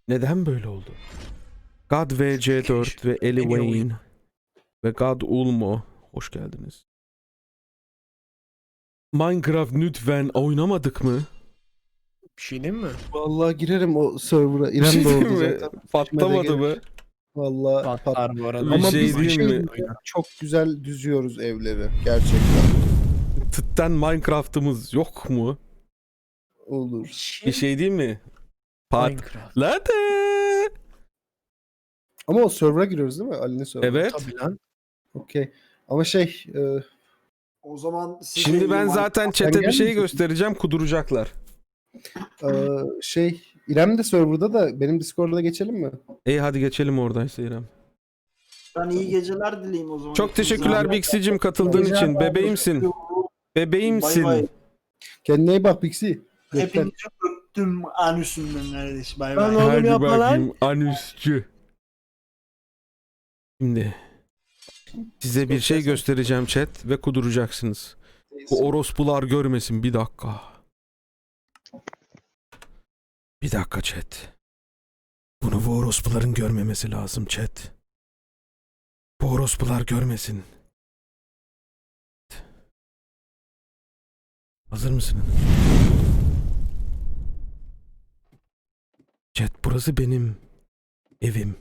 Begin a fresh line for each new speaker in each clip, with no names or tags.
Neden böyle oldu? God VC4 ve Ellie Wayne ve God Ulmo. Hoş geldiniz. Minecraft lütfen oynamadık mı?
Bir şey diyeyim mi?
Vallahi girerim o server'a.
Bir şey
İrem de
diyeyim
orada
mi?
zaten.
Patlamadı mı?
Vallahi pat.
Patlar bu arada.
Bir
Ama
şey
biz
diyeyim mi?
çok güzel düzüyoruz evleri. Gerçekten.
Tıtten Minecraft'ımız yok mu?
Olur.
Bir şey diyeyim mi?
Minecraft.
Patladı.
Ama o server'a giriyoruz değil mi? Ali'nin server'a.
Evet.
Tabii lan.
Okey. Ama
O zaman siz
Şimdi
de
ben
iyi
zaten
Sen
chat'e bir şey
gelmeyecek
göstereceğim, kuduracaklar.
İrem de server'da da benim Discord'a geçelim mi?
İyi hadi geçelim oradaysa İrem.
Ben iyi geceler dileyim o zaman.
Çok teşekkürler Bixie'cim katıldığın
Geceler
için.
abi.
Bebeğimsin.
Bay
Bebeğimsin.
bay.
Kendine iyi bak Pixie.
Hepinizi öptüm anüsümden kardeş. Bay
Ben
bay.
oğlum
Hadi
yapma lan.
bakayım anüsçü. Şimdi size bir şey göstereceğim chat ve kuduracaksınız. Bu orospular görmesin, bir dakika. Bir dakika chat. Bunu bu orospuların görmemesi lazım chat. Bu orospular görmesin. Hazır mısınız? Chat, burası benim evim.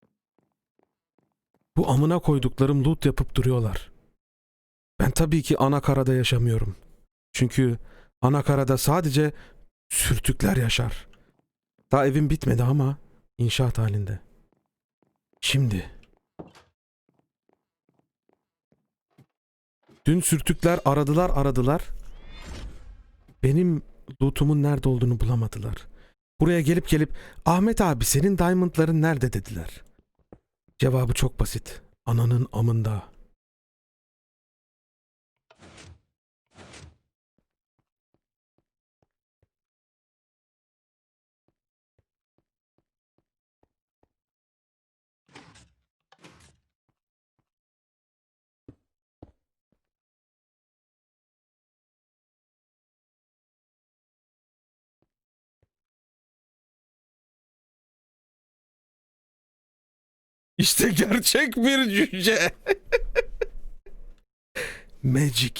Bu amına koyduklarım loot yapıp duruyorlar. Ben tabii ki anakarada yaşamıyorum. Çünkü anakarada sadece sürtükler yaşar. Daha evim bitmedi ama inşaat halinde. Şimdi. Dün sürtükler aradılar. Benim lootumun nerede olduğunu bulamadılar. Buraya gelip Ahmet abi senin diamondların nerede dediler. Cevabı çok basit. Ananın amında. İşte gerçek bir cüce. Magic.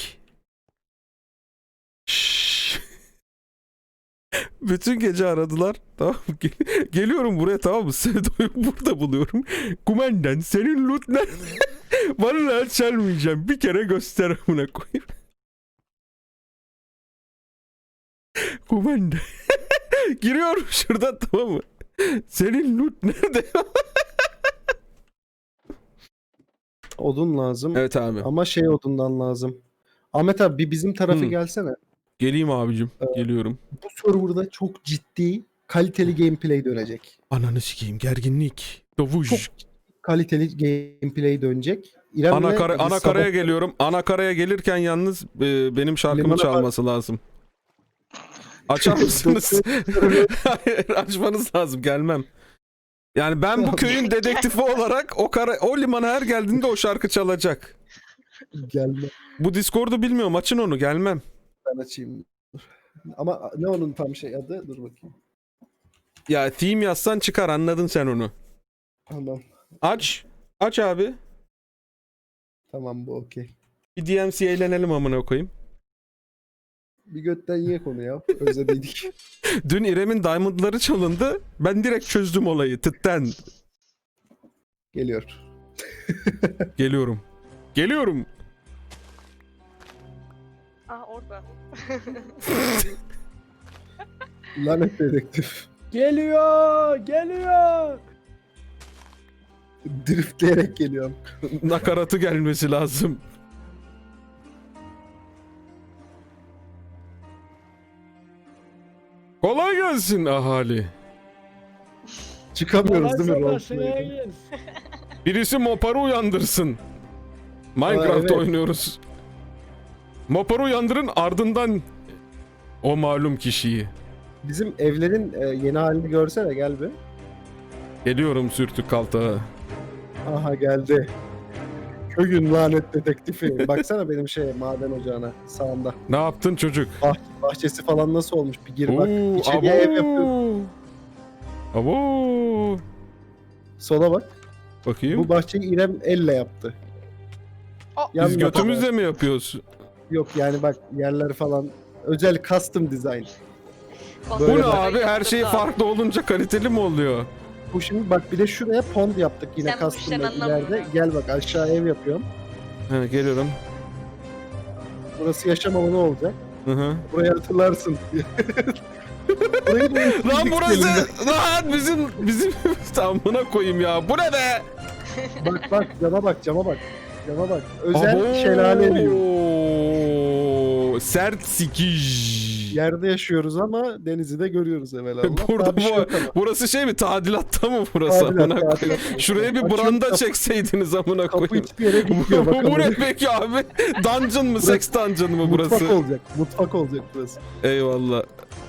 Şşş. Bütün gece aradılar. Tamam mı? Geliyorum buraya, tamam mı? Sevdo'yu burada buluyorum. Kumandan senin loot ne? Vallahi çalmayacağım. Bir kere göster amına koyayım. Kumandan. Giriyorum şuradan, tamam mı? Senin loot nerede?
Odun lazım.
Evet abi.
Ama odundan lazım. Ahmet abi bir bizim tarafı gelsene.
Geleyim abicim. Geliyorum.
Bu serverda çok ciddi kaliteli gameplay dönecek.
Ananı sikeyim. Gerginlik. Dovuş.
Çok kaliteli gameplay dönecek. İrem'le
Anakaraya
sabah-
geliyorum. Anakaraya gelirken yalnız benim şarkımı
Limana
çalması lazım. Açar mısınız? Hayır, açmanız lazım. Gelmem. Yani ben bu köyün dedektifi olarak o limana her geldiğinde o şarkı çalacak.
Gelme.
Bu Discord'u bilmiyorum. Açın onu. Gelmem.
Ben açayım. Ama ne onun tam adı? Dur bakayım.
Ya theme yazsan çıkar. Anladın sen onu.
Tamam.
Aç. Aç abi.
Tamam bu okey.
Bir DMC eğlenelim amına koyayım.
Bir götten ye konu ya. Özlediydik.
Dün İrem'in diamondları çalındı. Ben direkt çözdüm olayı. Tıtten.
Geliyor.
Geliyorum. Geliyorum.
Orada.
Lanet dedektif.
Geliyor.
Driftleyerek geliyorum.
Nakaratı gelmesi lazım. Kolay gelsin ahali.
Çıkamıyoruz değil mi roleplay'den?
Birisi Mopar'ı uyandırsın. Minecraft
evet.
oynuyoruz. Mopar'ı uyandırın, ardından o malum kişiyi.
Bizim evlerin yeni halini görsene gel bir.
Geliyorum sürtük kaltağa.
Aha geldi. Köyün lanet dedektifi. Baksana benim maden ocağına sağında.
Ne yaptın çocuk?
Bahçesi falan nasıl olmuş bir gir bak.
Oo,
İçeriye ev yapıyorum.
abo. Abo.
Sola bak.
Bakayım.
Bu bahçeyi İrem elle yaptı.
Aa,
Yan
Biz
yapar.
götümüzle mi yapıyoruz?
Yok yani bak yerler falan. Özel custom design.
Bu
Böyle
ne
bak.
abi? Her şey farklı olunca kaliteli mi oluyor?
Bu şimdi bak bir de şuraya pond yaptık yine
Sen bu
custom'da
işten anlamıyorsun
ileride.
ha.
Gel bak aşağı ev yapıyorum.
He, geliyorum.
Burası yaşam alanı olacak.
Hı hı.
Burayı hatırlarsın. Burayı da
Lan burası
elimde.
lan bizim tamına koyayım ya. Bu ne be?
Bak cama bak cama bak. Cama bak. Özel şelale evi.
Sert sikiş.
Yerde yaşıyoruz ama denizi de görüyoruz evvelallah.
Burada
Daha bir şey
bu,
yok ama.
burası şey mi? Tadilatta mı burası?
Tadilat,
Amına koyayım.
tadilat.
Şuraya bir
Açıyorum
branda
kapı-
çekseydiniz amına
Kapı
koyayım.
hiçbir yere gitmiyor
Bu
bakalım.
ne peki abi? Dungeon mı? Sex dungeon mı burası?
Mutfak olacak. Mutfak olacak burası.
Eyvallah.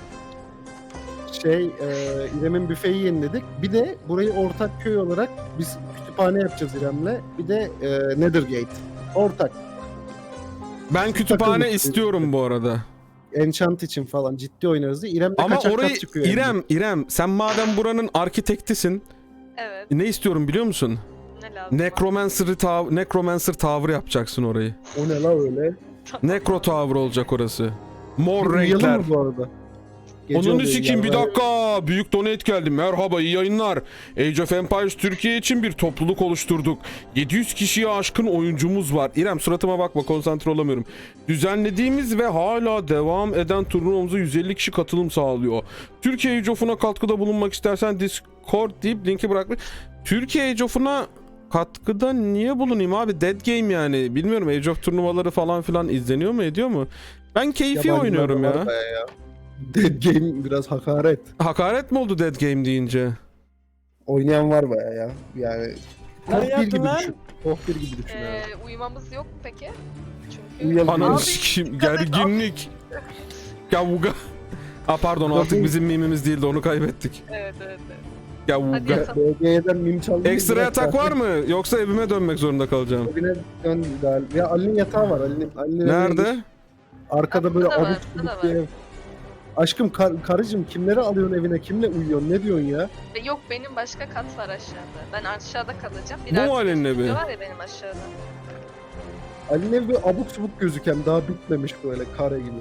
İrem'in büfeyi yeniledik. Bir de burayı ortak köy olarak biz kütüphane yapacağız İrem'le. Bir de Nethergate. Ortak.
Ben kütüphane
takılmış.
istiyorum bu arada.
Enchant için falan ciddi oynarız diye. İrem de
Ama
kaçak
orayı
kat çıkıyor. yani.
İrem sen madem buranın arkitektisin,
Evet.
ne istiyorum biliyor musun?
Ne lazım?
Necromancer Tower yapacaksın orayı.
O ne la öyle?
Necro Tower olacak orası. Mor
Bir uyuyalım
renkler.
mı bu arada? Gece
Onun
oluyor
sikeyim bir
yani.
dakika. Büyük donate geldi. Merhaba iyi yayınlar. Age of Empires Türkiye için bir topluluk oluşturduk. 700 kişiye aşkın oyuncumuz var. İrem suratıma bakma konsantre olamıyorum. Düzenlediğimiz ve hala devam eden turnuvamıza 150 kişi katılım sağlıyor. Türkiye Age of'una katkıda bulunmak istersen Discord deyip linki bırakmış. Türkiye Age of'una katkıda niye bulunayım abi? Dead game yani. Bilmiyorum Age of turnuvaları falan filan izleniyor mu ediyor mu? Ben keyfi
Yabancılar
oynuyorum
da var
ya.
bayağı ya. Dead Game biraz hakaret.
Hakaret mi oldu Dead Game deyince?
Oynayan var bayağı ya. Yani
Ne
Top 1
yaptın
gibi
lan?
düşün. Top 1 gibi düşün ya.
Uyumamız yok mu peki? Çünkü
Uyuyalım.
Ananı
Abi,
sikeyim gerginlik. Gavuga. Aa pardon artık bizim mimimiz değildi onu kaybettik.
Evet evet. Hadi
Gavuga.
yatalım.
BG'den mim çaldı.
Ekstra yatak var mı? Yoksa evime dönmek zorunda kalacağım.
Evine dön galiba. Ya Ali'nin yatağı var. Ali'nin
Nerede?
Arkada böyle
Burada da var,
abuk
burada da
subuk bir
var.
ev. Aşkım karıcığım kimleri alıyorsun evine? Kimle uyuyorsun? Ne diyorsun ya?
Yok benim başka kat var aşağıda. Ben aşağıda kalacağım.
Bu mu Ali'nin evi?
stüdyo var ya benim aşağıda.
Ali'nin evi böyle abuk subuk gözüken daha bitmemiş böyle kare gibi.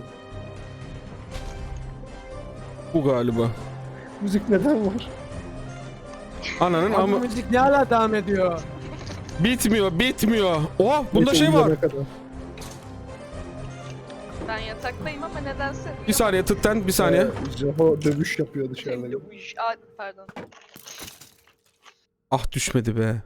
Bu galiba.
Müzik neden var?
Ananın
Ama
ama
müzik ne hala devam ediyor?
bitmiyor. Oha bunda
Neyse,
şey var.
uyuyana kadar.
Ben yataktayım ama nedense
Bir saniye tıktan bir saniye.
Jaho dövüş yapıyor dışarıda.
Pardon.
Ah düşmedi be.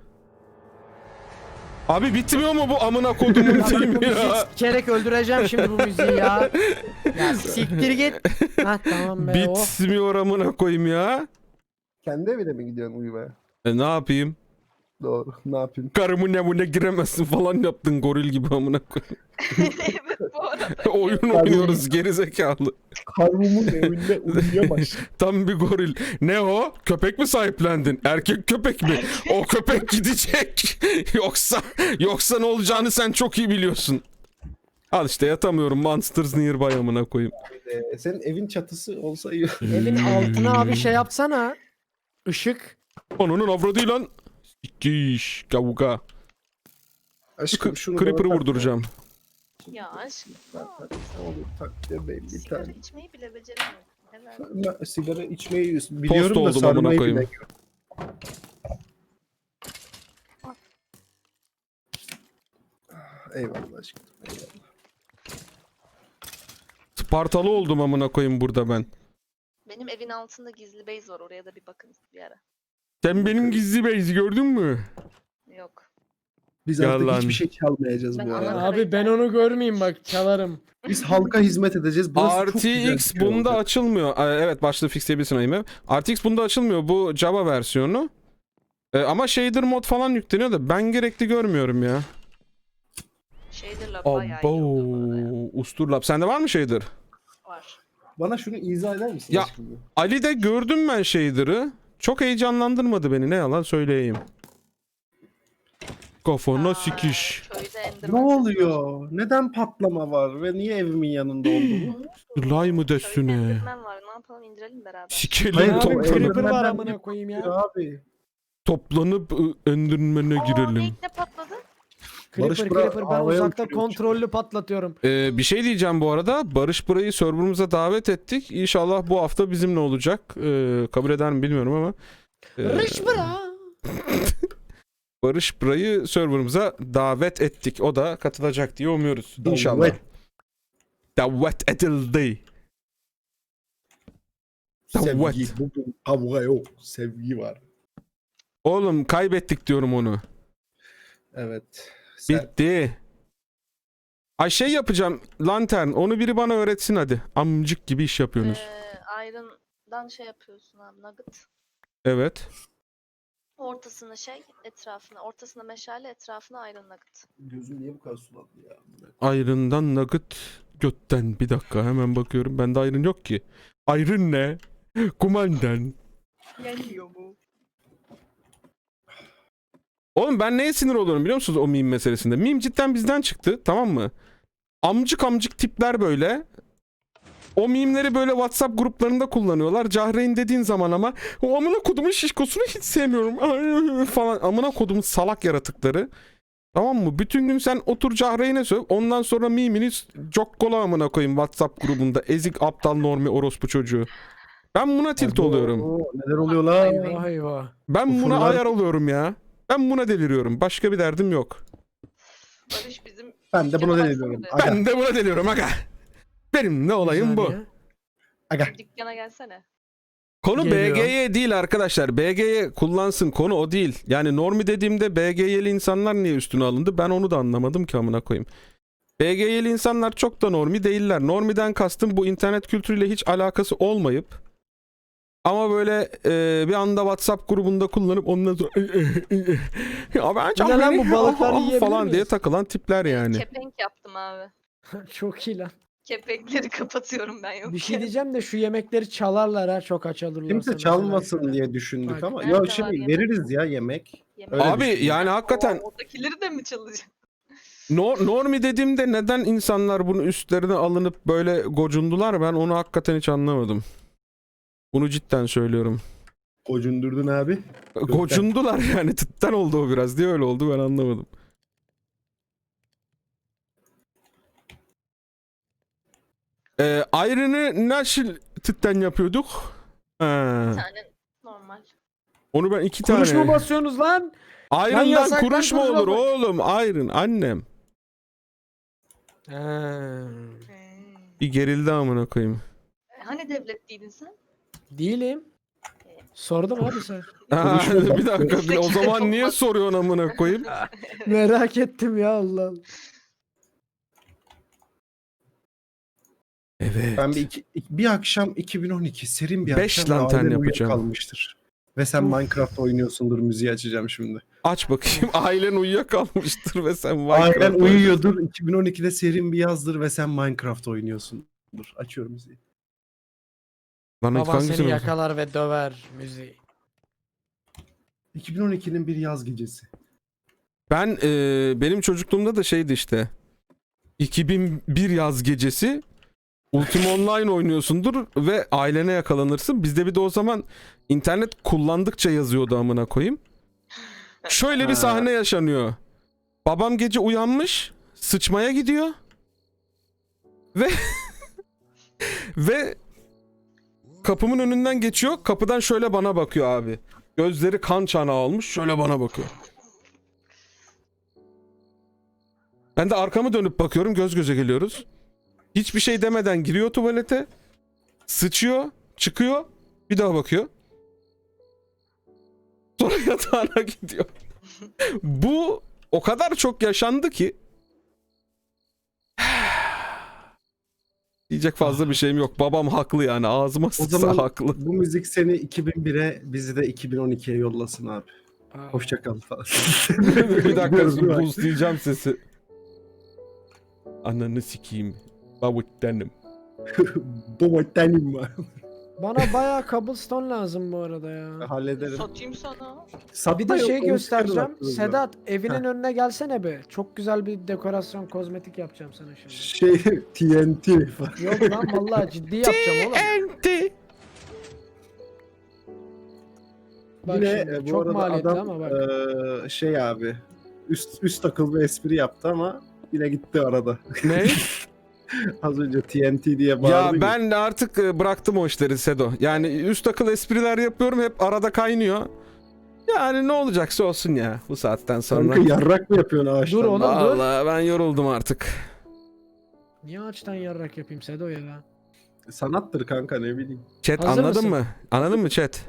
Abi bitmiyor mu bu amına kodumun film ya?
Sikerek öldüreceğim şimdi bu müziği ya. Ya siktir git. Hah tamam be. Oh.
Bitmiyor amına koyayım ya.
Kendi evine mi gidiyorsun uyumaya?
Ne yapayım?
Doğru. Ne yapayım?
Karımın evine giremezsin falan yaptın goril gibi amına koyayım.
Evet bu arada.
Oyun oynuyoruz gerizekalı.
Karımın evinde uyuyamaz.
Tam bir goril. Ne o? Köpek mi sahiplendin? Erkek köpek mi? O köpek gidecek. yoksa ne olacağını sen çok iyi biliyorsun. Al işte yatamıyorum. Monsters Nearby amına koyayım.
Senin evin çatısı olsa iyi.
Evin altına abi şey yapsana. Işık.
Onun avradı lan. Sikiş. Gavuga.
Aşkım şunu
Creeper'ı
bana tak.
vurduracağım.
Ya aşkım.
Tak. Ne olur tak bebeğim bir
Sigara
tane.
içmeyi bile beceremiyorum. Helal.
Ben sigara içmeyi biliyorum da
oldum amına
sarmayı
koyayım.
bilmiyorum. Eyvallah aşkım. Eyvallah.
Spartalı oldum amına koyayım burada ben.
Benim evin altında gizli base var. Oraya da bir bakın bir ara.
Sen benim gizli base'i gördün mü?
Yok.
Biz
Gel
artık
lan.
hiçbir şey çalmayacağız
Ben
bu arada.
ana-
Abi ben onu görmeyeyim bak çalarım.
Biz halka hizmet edeceğiz. Burası çok güzel
RTX
bir köy
bunda
olacak.
açılmıyor. Evet başlığı fixleyebilirsin ayımı. RTX bunda açılmıyor. Bu Java versiyonu. Ama shader mod falan yükleniyor da ben gerekli görmüyorum ya.
Shader'la bayağı iyi
Abo.
oluyor bu arada ya.
Usturlap. Sende var mı shader?
Var.
Bana şunu izah eder misin
Ya-
aşkım?
Ali'de gördüm ben shader'ı. Çok heyecanlandırmadı beni ne yalan söyleyeyim. Kafana
Aa,
sikiş.
Köyde Enderman
Ne
sesi var.
oluyor? Neden patlama var ve niye evimin yanında oldu?
Slime
Köyde
destine.
Enderman var. Ne yapalım indirelim beraber.
Sikelim
Hayır,
Ne
top-
yapayım?
toplanıp,
Creeper var
Enderman'den
amına
ne
koyayım ya.
Abi.
toplanıp Enderman'e
Aa,
girelim.
ne patladı?
Barış
Creeper
bura
Creeper ben
havaya
uzakta
uçuruyor.
kontrollü patlatıyorum.
Bir şey diyeceğim bu arada. Barış burayı serverımıza davet ettik. İnşallah bu hafta bizimle olacak. Kabul eder mi bilmiyorum ama.
Rış bıra.
Barış burayı serverımıza davet ettik. O da katılacak diye umuyoruz. İnşallah.
Davet.
Davet edildi. Davet.
Sevgi. Bugün kavga yok. Sevgi var.
Oğlum kaybettik diyorum onu.
Evet.
Bitti. Ay şey yapacağım. Lantern. Onu biri bana öğretsin hadi. Amcık gibi iş yapıyorsunuz.
Iron'dan şey yapıyorsun abi nugget.
Evet.
Ortasına şey etrafına. Ortasına meşale etrafına iron nugget.
Gözüm niye bu kadar sulandı ya?
Iron'dan nugget götten. Bir dakika hemen bakıyorum. Bende iron yok ki. Iron ne? Kumandan.
Geliyor bu.
Oğlum ben neye sinir oluyorum biliyor musunuz o meme meselesinde? Meme cidden bizden çıktı, tamam mı? Amcık amcık tipler böyle. O meme'leri böyle WhatsApp gruplarında kullanıyorlar. Cahreyn dediğin zaman ama o amına kodumun şişkosunu hiç sevmiyorum falan. Amına kodumun salak yaratıkları. Tamam mı? Bütün gün sen otur Cahreyn'e söv. Ondan sonra meme'ini cokkola amına koyayım WhatsApp grubunda. Ezik aptal normi orospu çocuğu. Ben buna tilt oluyorum.
Oo, neler oluyor lan?
Eyvah eyvah.
Ben buna
Ufurlar-
ayar oluyorum ya. Ben buna deliriyorum. Başka bir derdim yok.
Barış bizim
Ben de buna
dükkana
deniyorum.
baksana
Aga.
Ben de buna deliyorum aga. Benim ne olayım bu.
saniye.
Aga.
bir. Dükkana gelsene.
Konu
Geliyor.
BG'ye değil arkadaşlar. BG'ye kullansın, konu o değil. Yani normi dediğimde BG'yeli insanlar niye üstüne alındı? Ben onu da anlamadım ki amına koyayım. BG'yeli insanlar çok da normi değiller. Normiden kastım bu internet kültürüyle hiç alakası olmayıp ama böyle bir anda WhatsApp grubunda kullanıp ondan sonra ya ben
Bu ne lan, bu balıkları
falan
yiyebilir
diye
miyiz?
takılan tipler yani.
Kepenk yaptım abi.
Çok iyi lan.
Kepenkleri kapatıyorum ben yok.
Bir şey diyeceğim de şu yemekleri çalarlar ha, çok aç alırlarsa.
Kimse
mesela.
çalmasın diye düşündük
Bak.
ama.
Nerede
Ya
var
şimdi
yemek?
veririz ya yemek. Öyle
Abi
düşündüm.
yani hakikaten
Oradakileri de mi çalacağım?
Normi dediğimde neden insanlar bunu üstlerine alınıp böyle gocundular, ben onu hakikaten hiç anlamadım. Bunu cidden söylüyorum.
Kocundurdun abi.
Gocundular yani, tıttan oldu o biraz diye öyle oldu, ben anlamadım. Iron'ı nasıl tıttan yapıyorduk? Ha,
Bir tane normal.
onu ben 2
Kuruş mu
tane.
basıyorsunuz lan?
Iron'dan
yasaktan
kuruş mu
kuruş
olur
bak-
oğlum? Iron annem. Bir gerildi amına koyayım.
Hani devletliydin sen?
Değilim. Sordum abi sen.
Ha,
Konuşma.
bir dakika, o zaman niye soruyorsun amına koyayım?
Merak ettim ya Allah Allah.
Evet.
Ben bir akşam 2012 serin bir
5
akşam ve
lantern
ailen
yapacağım.
uyuyakalmıştır. Ve sen Minecraft oynuyorsundur, müziği açacağım şimdi.
Aç bakayım. Ailen uyuyakalmıştır ve sen Minecraft
Ailen
oynuyorsun.
uyuyordur, 2012'de serin bir yazdır ve sen Minecraft oynuyorsundur. Açıyorum müziği.
Lan
Baban
hangisini
seni
olsun?
yakalar ve döver müziği.
2012'nin bir yaz gecesi.
Ben benim çocukluğumda da şeydi işte. 2001 yaz gecesi Ultima Online oynuyorsundur ve ailene yakalanırsın. Bizde bir de o zaman internet kullandıkça yazıyordu amına koyayım. Şöyle bir
Ha.
sahne yaşanıyor. Babam gece uyanmış, sıçmaya gidiyor. Ve ve kapımın önünden geçiyor. Kapıdan şöyle bana bakıyor abi. Gözleri kan çanağı olmuş. Şöyle bana bakıyor. Ben de arkamı dönüp bakıyorum. Göz göze geliyoruz. Hiçbir şey demeden giriyor tuvalete. Sıçıyor. Çıkıyor. Bir daha bakıyor. Sonra yatağına gidiyor. Bu o kadar çok yaşandı ki. Diyecek fazla bir şeyim yok. Babam haklı yani. Ağzıma
O
sıçsa
zaman
haklı.
bu müzik seni 2001'e, bizi de 2012'ye yollasın abi. Hoşçakal falan.
Bir dakika
Biliyorum, değil mi?
boostlayacağım sesi. Ananı sikeyim. Babuttanım.
Baba tenim var.
Bana bayağı cobblestone lazım bu arada ya.
Hallederim.
Satayım sana.
Satma
Bir de
yok,
şey
onu
göstereceğim.
çıkarın aklınızdan.
Sedat evinin önüne gelsene be. Çok güzel bir dekorasyon kozmetik yapacağım sana şimdi.
Şey TNT falan.
Yok lan vallahi ciddi yapacağım oğlum.
TNT.
Bak
Yine
şimdi,
bu
çok
arada
maliyetli
adam
ama bak.
şey abi üst akıl bir espri yaptı ama yine gitti arada.
Ne?
Az önce TNT diye bağırdı.
Ya ben de artık bıraktım o işleri Sedo. Yani üst akıl espriler yapıyorum, hep arada kaynıyor. Yani ne olacaksa olsun ya bu saatten sonra.
Kanka yarrak mı yapıyorsun ağaçtan?
Dur oğlum.
Vallahi ben yoruldum artık.
Niye ağaçtan yarrak yapayım Sedo ya?
Sanattır kanka, ne bileyim.
Chat
Hazır
anladın
mısın?
mı? Anladın mı chat?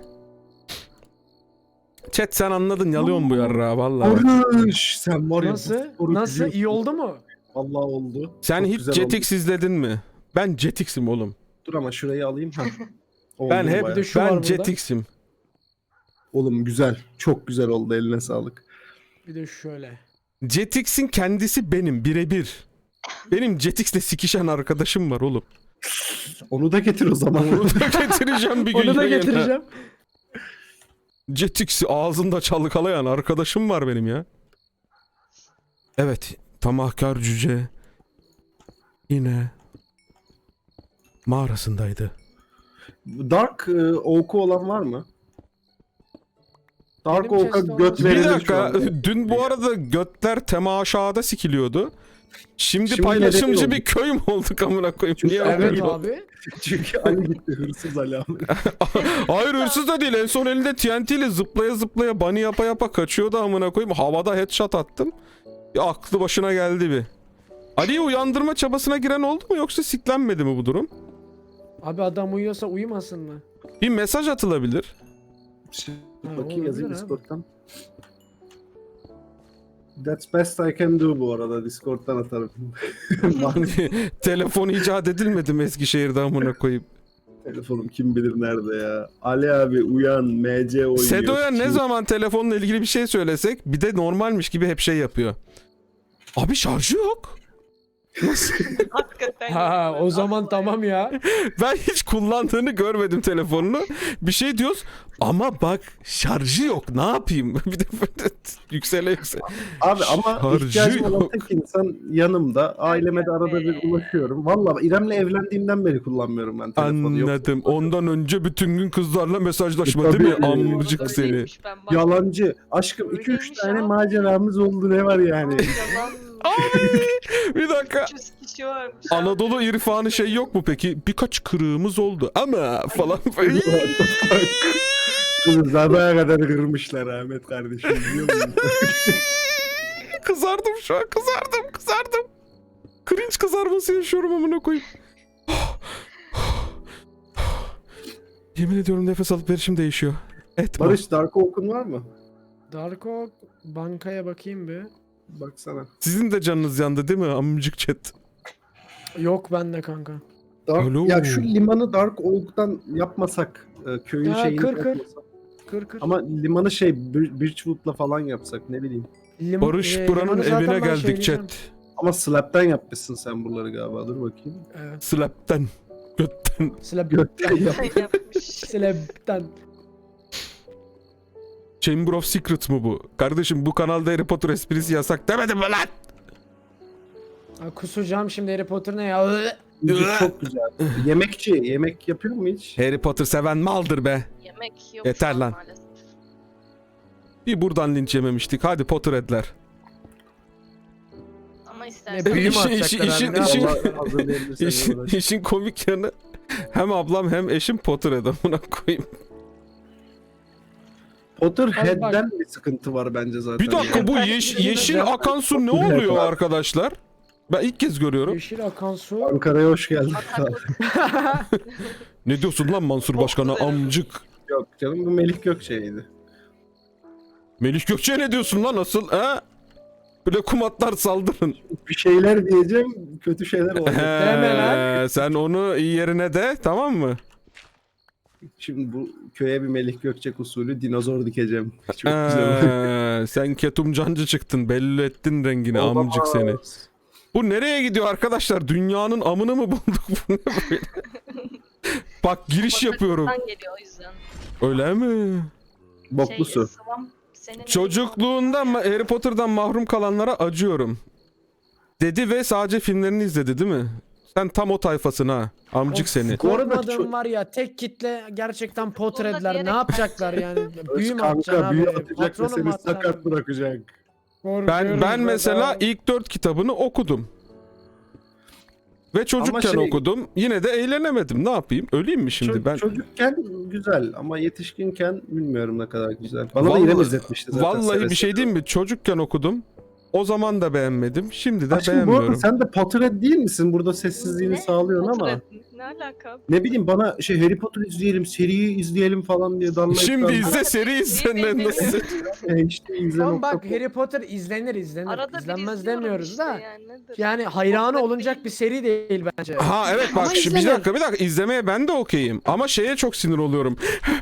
Chat sen anladın, yalıyorsun bu yarrağı vallahi.
Barış sen var ya.
Nasıl?
bu sporu
Nasıl?
biliyorsun.
İyi oldu mu?
Vallahi oldu.
Sen
Çok
hiç
güzel oldu.
Jetix izledin mi? Ben Jetix'im oğlum.
Dur ama şurayı alayım. Ha.
Ben
Oldu
hep
bayağı.
de şu var
ben
burada.
Jetix'im.
Oğlum güzel. Çok güzel oldu, eline sağlık.
Bir de şöyle.
Jetix'in kendisi benim birebir. Benim Jetix'le sikişen arkadaşım var oğlum.
Onu da getir o zaman.
Onu da getireceğim bir gün.
Onu da
yayına.
getireceğim.
Jetix'i ağzında çalkalayan arkadaşım var benim ya. Evet, tamahkar cüce yine mağarasındaydı.
Dark Oak'u olan var mı? Dark
Benim
Oak'a
chest'te
göt
olmaz.
verilir
Bir
şu
dakika,
anda.
dün bu arada götler temaşada sikiliyordu. Şimdi
Şimdi
paylaşımcı
nedeni
bir köy mü olduk amına koyayım? Niye
Evet
öyle
Evet
oldu?
abi.
Çünkü Ali gitti, hırsız Ali abi.
Hayır hırsız da değil. En son elinde TNT ile zıplaya zıplaya bunny yapa yapa kaçıyordu amına koyayım. Havada headshot attım. Ya aklı başına geldi bir. Ali'yi uyandırma çabasına giren oldu mu yoksa siklenmedi mi bu durum?
Abi adam uyuyorsa uyumasın mı?
Bir mesaj atılabilir.
Ha,
Bakayım, yazayım
olabilir abi.
Discord'dan. That's best I can do bu arada, Discord'dan atarım.
Telefon icat edilmedi mi Eskişehir'de amına koyayım?
Telefonum kim bilir nerede ya. Ali abi uyan, MC oynuyor.
Sedo'ya ne
Şimdi-
zaman telefonla ilgili bir şey söylesek bir de normalmiş gibi hep şey yapıyor. Abi şarjı yok. Nasıl?
Hakikaten.
Ha o zaman tamam ya.
Ben hiç kullandığını görmedim telefonunu. Bir şey diyoruz ama bak şarjı yok, ne yapayım? Bir de böyle yüksele.
Abi ama
Şarjı
ihtiyacım olan
yok.
tek insan yanımda. Aileme de arada bir ulaşıyorum. Vallahi İrem'le evlendiğimden beri kullanmıyorum ben telefonu. Yok.
Anladım. Ondan önce bütün gün kızlarla mesajlaşma değil mi?
Tabii.
Amcık seni.
Yalancı. Aşkım 2-3
Öyleymiş
tane
abi.
maceramız oldu, ne var yani?
Yalan.
Bir dakika.
300 kişi varmış.
Anadolu irfanı şey yok mu peki? Birkaç kırığımız oldu ama falan.
Kızı sabaha kadar kırmışlar Ahmet kardeşim, biliyor musun?
Kızardım şu an, kızardım. Cringe kızarması yaşıyorum amına koyayım. Yemin ediyorum nefes alıp verişim değişiyor. Etme.
Barış, Dark Oak'un var mı?
Darko bankaya bakayım bir.
Baksana.
Sizin de canınız yandı değil mi amcık chat?
Yok bende kanka.
Alo.
Ya şu limanı Dark Oak'tan yapmasak, köyün
Ya,
şeyini
kır.
yapmasak.
Kır kır.
Ama limanı şey Birchwood'la falan yapsak, ne bileyim.
Barış buranın
limanı zaten
evine
ben
geldik
şeyleyeceğim.
chat.
Ama slab'den yapmışsın sen buraları galiba, dur bakayım.
Evet.
Slap'ten. Götten.
Gökten yap.
Yapmış.
Slab'den.
Chamber of Secret mu bu? Kardeşim bu kanalda Harry Potter esprisi yasak demedim mi lan?
Ha, kusacağım şimdi Harry Potter ne ya?
Çok güzel. Yemek yapıyor mu hiç?
Harry Potter seven maldır be.
Yemek yok
Yeter
şu an
lan.
maalesef.
Bir buradan linç yememiştik. Hadi Potterhead'ler.
Ama
Ne
istersen.
büyü mü
İşin-
atacaklar
işin-
abi? Ne
işin-
yapalım?
Allah hazırlayabilirsen
İşin,
uğraş.
işin komik yanı hem ablam hem eşim Potterhead amına koyayım.
Potterhead'den bir sıkıntı var bence zaten.
Bir dakika bu yeşil akan su ne oluyor arkadaşlar? Ben ilk kez görüyorum.
Yeşil akan su.
Ankara'ya hoş geldin.
Ataklık.
Ne diyorsun lan Mansur Başkan'a amcık?
Yok canım, bu Melih Gökçe'ydi.
Melih Gökçe'ye ne diyorsun lan asıl he? Böyle kumatlar saldırın.
Bir şeyler diyeceğim, kötü şeyler olacak.
Deme lan.
Sen onu iyi yerine de tamam mı?
Şimdi bu köye bir Melih Gökçek usulü dinozor dikeceğim. Çok güzel.
Sen ketumcancı çıktın, belli ettin rengini amcık seni. Bu nereye gidiyor arkadaşlar? Dünyanın amını mı bulduk? Bu ne böyle? Bak giriş yapıyorum.
Bataklıktan geliyor o yüzden.
Öyle mi?
Boklu su.
Sıvam senin
Çocukluğunda Harry Potter'dan mahrum kalanlara acıyorum. Dedi ve sadece filmlerini izledi değil mi? Sen tam o tayfasın ha. Amcık seni.
Bu arada
Korkmadığım var ya, tek kitle gerçekten Potterhead'ler ne
diyerek-
yapacaklar yani? Büyü mü atacaksın
Kanka
abi?
büyü atacak ve
Patronum mu
seni
atacaksın
sakat
abi?
bırakacak.
Korkuyorum
Ben mesela
ben.
ilk 4 kitabını okudum. Ve çocukken
şey-
okudum. Yine de eğlenemedim. Ne yapayım? Öleyim mi şimdi ben?
Çocukken güzel ama yetişkinken bilmiyorum ne kadar güzel. Bana da
Vallahi-
İrem izletmişti zaten.
Vallahi
seve
bir şey
seve.
diyeyim mi? Çocukken okudum. O zaman da beğenmedim. Şimdi de
Aşkım bu arada
beğenmiyorum.
sen de Potterhead değil misin? Burada sessizliğini sağlıyorsun ama.
Potterhead ne alaka?
Ne bileyim bana Harry Potter izleyelim, seriyi izleyelim falan diye darlayıp
Şimdi izle seri izle ne nasıl?
işte izle
Tamam bak,
nokta.
Harry Potter izlenir.
Arada bir
İzlenmez
izliyorum
demiyoruz
işte
da.
yani, nedir?
Yani hayranı
Potterhead
olunacak
değil
bir
mi?
seri değil bence.
Ha evet
Ama
bak bir
izlenir.
dakika izlemeye ben de okeyim. Ama şeye çok sinir oluyorum.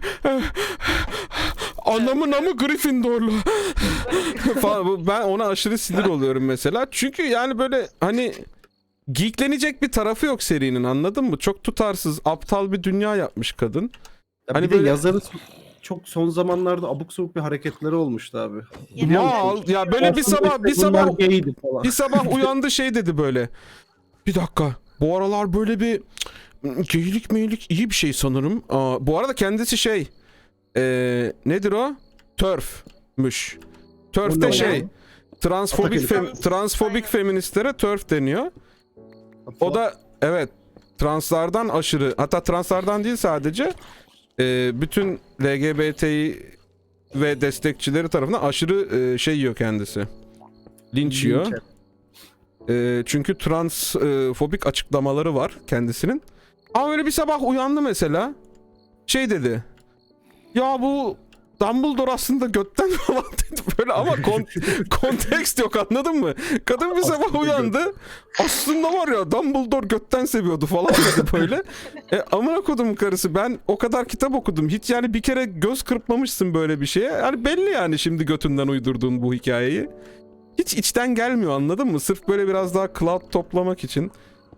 Anamın amı Gryffindorlu. falan. Ben ona aşırı sinir oluyorum mesela. Çünkü yani böyle hani geeklenecek bir tarafı yok serinin, anladın mı? Çok tutarsız, aptal bir dünya yapmış kadın.
Ya
Hani
bir de
böyle-
yazarı çok son zamanlarda abuk sabuk bir hareketleri olmuştu abi.
Mal ya böyle bir
Aslında
sabah
işte
bir sabah
bunlar gaydi falan.
bir sabah uyandı şey dedi böyle. Bir dakika. Bu aralar böyle bir geylik meylik iyi bir şey sanırım. Bu arada kendisi şey nedir o? Törfmüş. Törf
O
de
ne
şey
ya?
transfobik
Atak
transfobik
Aynen.
feministlere törf deniyor. O da evet translardan aşırı, hatta translardan değil sadece bütün LGBT'yi ve destekçileri tarafından aşırı şey yiyor kendisi. Linç yiyor. Çünkü transfobik açıklamaları var kendisinin. Ama öyle bir sabah uyandı mesela. Şey dedi. Ya bu Dumbledore aslında götten falan dedi böyle ama kontekst yok, anladın mı? Kadın bir sabah
Aslında
uyandı. Aslında var ya Dumbledore götten seviyordu falan dedi böyle. Amına kodum karısı, ben o kadar kitap okudum. Hiç yani bir kere göz kırpmamışsın böyle bir şeye. Yani belli yani şimdi götünden uydurduğun bu hikayeyi. Hiç içten gelmiyor, anladın mı? Sırf böyle biraz daha cloud toplamak için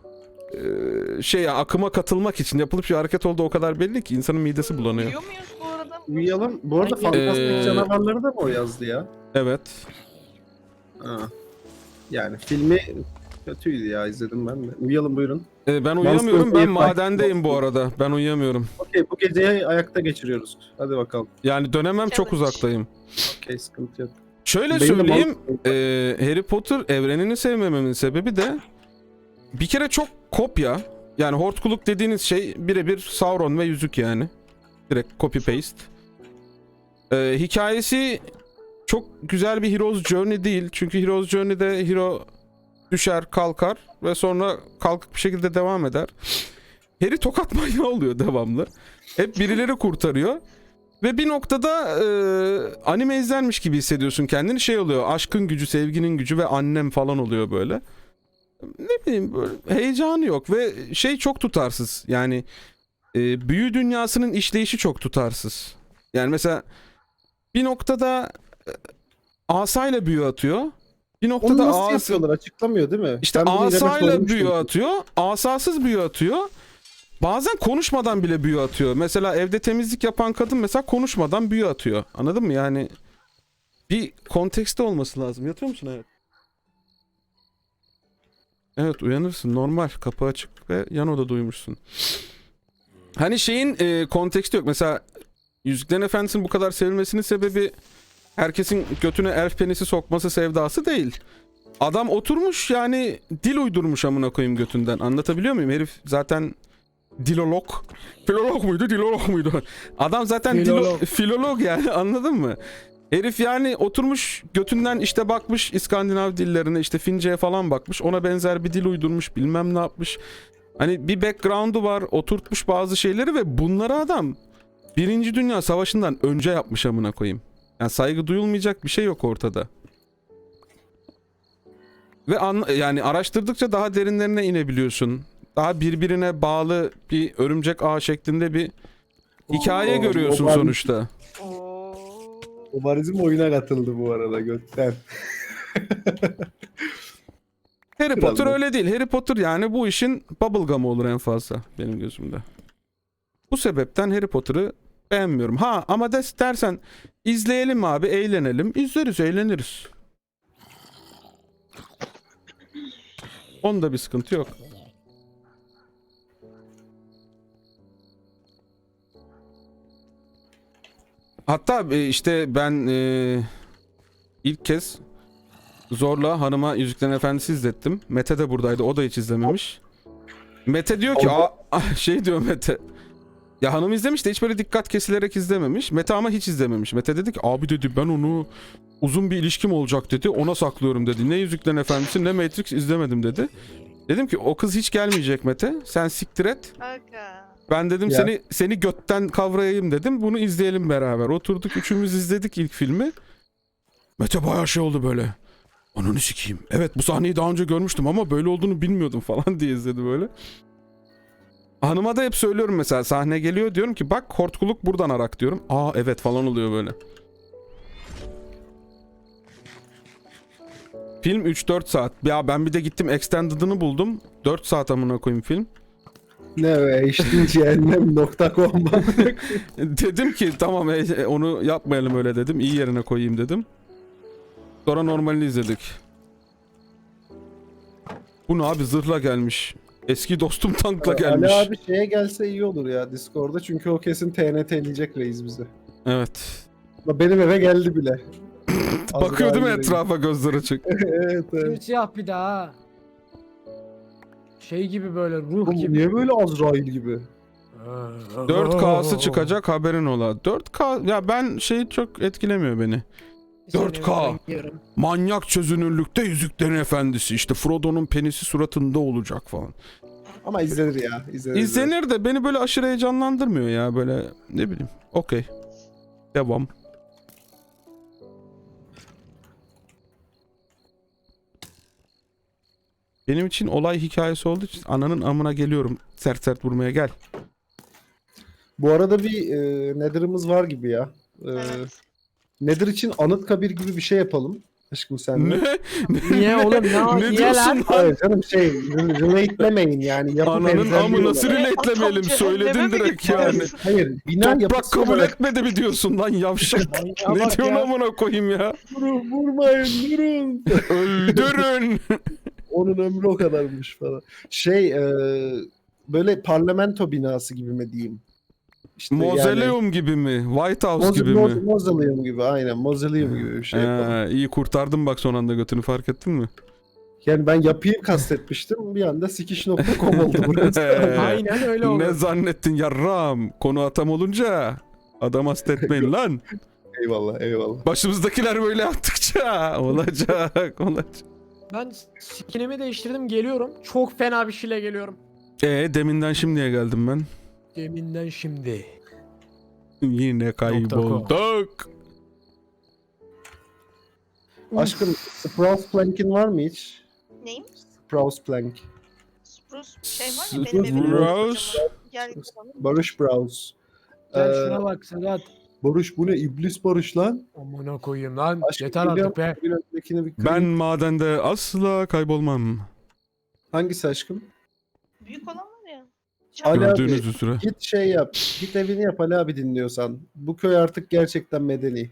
akıma katılmak için yapılıp bir hareket olduğu o kadar belli ki insanın midesi bulanıyor.
Uyuyor muyuz bu arada?
Uyuyalım. Bu arada
Ee,
fantastik canavarları da mı o yazdı ya?
Evet.
Ha. Yani filmi kötüydü ya, izledim ben de. Uyuyalım buyurun.
Ben uyuyamıyorum.
Monster
Ben
Inc.
madendeyim bu arada. Ben uyuyamıyorum.
Okey, bu geceyi ayakta geçiriyoruz. Hadi bakalım.
Yani dönemem çok
Challenge.
uzaktayım.
Okey, sıkıntı yok.
Şöyle
Benim de
söyleyeyim.
Monster-
Harry Potter evrenini sevmememin sebebi de bir kere çok kopya. Yani hortkuluk dediğiniz şey birebir Sauron ve yüzük yani. Direkt copy paste. Hikayesi çok güzel bir Hero's Journey değil. Çünkü Hero's Journey'de hero düşer kalkar ve sonra kalkık bir şekilde devam eder. Harry tokat manyağı oluyor devamlı. Hep birileri kurtarıyor. Ve bir noktada anime izlenmiş gibi hissediyorsun kendini. Şey oluyor, aşkın gücü, sevginin gücü ve annem falan oluyor böyle. Ne bileyim, böyle heyecanı yok ve şey çok tutarsız. Yani büyü dünyasının işleyişi çok tutarsız. Yani mesela bir noktada asayla büyü atıyor. Bir
Onu
noktada
nasıl yapıyorlar, açıklamıyor değil mi?
İşte
Ben bunu İrem'e
asayla
sormuştum.
büyü atıyor, asasız büyü atıyor. Bazen konuşmadan bile büyü atıyor. Mesela evde temizlik yapan kadın mesela konuşmadan büyü atıyor. Anladın mı? Yani bir kontekste olması lazım. Yatıyor musun? Evet. Evet, uyanırsın. Normal. Kapı açık ve yan odada uyumuşsun. Hani şeyin konteksti yok. Mesela Yüzüklerin Efendisi'nin bu kadar sevilmesinin sebebi herkesin götüne elf penisi sokması sevdası değil. Adam oturmuş yani dil uydurmuş amına koyayım götünden. Anlatabiliyor muyum? Herif zaten dilolog. Filolog muydu? Dilolog muydu? Adam zaten filolog yani, anladın mı? Herif yani oturmuş götünden işte bakmış İskandinav dillerine, işte Fince'ye falan bakmış. Ona benzer bir dil uydurmuş, bilmem ne yapmış. Hani bir background'u var, oturtmuş bazı şeyleri ve bunları adam Birinci Dünya Savaşı'ndan önce yapmış amına koyayım. Yani saygı duyulmayacak bir şey yok ortada. Ve yani araştırdıkça daha derinlerine inebiliyorsun. Daha birbirine bağlı bir örümcek ağ şeklinde bir hikaye
Oo,
görüyorsun
o var.
sonuçta.
Oo.
Obarizm oyuna katıldı bu arada götten.
Harry
Kral
Potter
mı?
öyle değil. Harry Potter yani bu işin bubblegum olur en fazla benim gözümde. Bu sebepten Harry Potter'ı beğenmiyorum. Ha ama dersen izleyelim abi, eğlenelim. İzleriz, eğleniriz. Onda bir sıkıntı yok. Hatta işte ben ilk kez zorla hanıma Yüzüklerin Efendisi izlettim. Mete de buradaydı. O da hiç izlememiş. Mete diyor ki şey diyor Mete. Ya hanım izlemiş de hiç böyle dikkat kesilerek izlememiş. Mete ama hiç izlememiş. Mete dedi ki abi dedi ben onu uzun bir ilişkim olacak dedi. Ona saklıyorum dedi. Ne Yüzüklerin Efendisi ne Matrix izlemedim dedi. Dedim ki o kız hiç gelmeyecek Mete. Sen siktir et.
Aga.
Ben dedim
Ya.
seni götten kavrayayım dedim. Bunu izleyelim beraber. Oturduk üçümüz izledik ilk filmi. Mete bayağı şey oldu böyle. Ananı sikeyim. Evet bu sahneyi daha önce görmüştüm ama böyle olduğunu bilmiyordum falan diye izledi böyle. Hanıma da hep söylüyorum mesela sahne geliyor diyorum ki bak hortkuluk buradan arak diyorum. Aa evet falan oluyor böyle. Film 3-4 saat. Ya ben bir de gittim extended'ını buldum. 4 saat amına koyayım film.
Ne be işte cehennem.com.
Dedim ki tamam onu yapmayalım öyle dedim. İyi yerine koyayım dedim. Sonra normalini izledik. Bu ne abi zırhla gelmiş. Eski dostum tankla gelmiş.
Ali abi şeye gelse iyi olur ya Discord'da çünkü o kesin TNT'leyecek reis bizi.
Evet.
Benim eve geldi bile.
Bakıyor değil mi
Azrail reis.
etrafa gözler açık.
Evet evet.
Siyah bir daha. Şey gibi böyle ruh
Oğlum,
gibi.
niye böyle Azrail gibi?
4K'sı çıkacak haberin ola. 4K ya ben şey çok etkilemiyor beni. 4K. Manyak çözünürlükte Yüzüklerin Efendisi. İşte Frodo'nun penisi suratında olacak falan.
Ama izlenir ya. İzlenir.
İzlenir de beni böyle aşırı heyecanlandırmıyor ya böyle ne bileyim. Okey. Devam. Benim için olay hikayesi olduğu için ananın amına geliyorum. Sert sert vurmaya gel.
Bu arada bir Nether'ımız var gibi ya.
Evet.
Nether için Anıtkabir gibi bir şey yapalım. Aşkım sen de.
Ne?
Niye oğlum
Ne
niye
diyorsun
lan?
lan?
Hayır canım relate yani. Yapı
Ananın
benzerliği
amı nasıl
olarak.
relatelemeyelim
Tam
söyledin
cehenneme mi
direkt
gidiyoruz?
yani.
Hayır bina
Toprak
yapısı
kabul
olarak.
etmedi mi diyorsun lan yavşak?
Ya
Ne
bak
diyorsun
ya.
amına koyayım ya?
Vurmayın durun.
Öldürün.
Onun ömrü o kadarmış falan. Böyle parlamento binası gibi mi diyeyim? İşte
Mausoleum gibi mi? White House gibi mi?
Mausoleum gibi aynen. Mausoleum gibi bir şey yapalım.
İyi kurtardım bak son anda götünü fark ettin mi?
Yani ben yapıyı kastetmiştim. Bir anda sikiş.com oldu burası.
Aynen öyle oldu.
Ne zannettin yarram? Konu atam olunca adam hasta etmeyin lan.
Eyvallah eyvallah.
Başımızdakiler böyle yaptıkça olacak.
Ben skinimi değiştirdim geliyorum. Çok fena bir şeyle geliyorum.
Deminden şimdiye geldim ben.
Deminden şimdi.
Yine kaybolduk.
Aşkım Sprouse Plank'in var mı hiç?
Neyim?
Sprouse Plank.
Spruce şey var ya benim evimin
Sprouse.
Gel
Barış Browse.
Gel
Ee,
şuna bak Sedat.
Barış bu ne? İblis Barış lan.
Amına koyayım lan.
Aşkım,
Yeter artık be.
Bir öndekini bir
Ben madende asla kaybolmam.
Hangisi aşkım?
büyük olan var ya.
Ali abi,
Gördüğünüz üzere.
git şey yap. Git evini yap Ali abi dinliyorsan. Bu köy artık gerçekten medeni.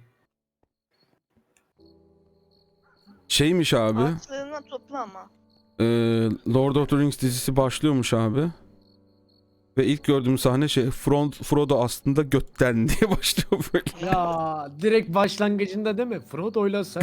Şeymiş abi.
Ağaçlarına topla ama.
Lord of the Rings dizisi başlıyormuş abi. Ve ilk gördüğüm sahne Frodo aslında götten diye başlıyor böyle.
Ya direkt başlangıcında değil mi? Frodo'yla sen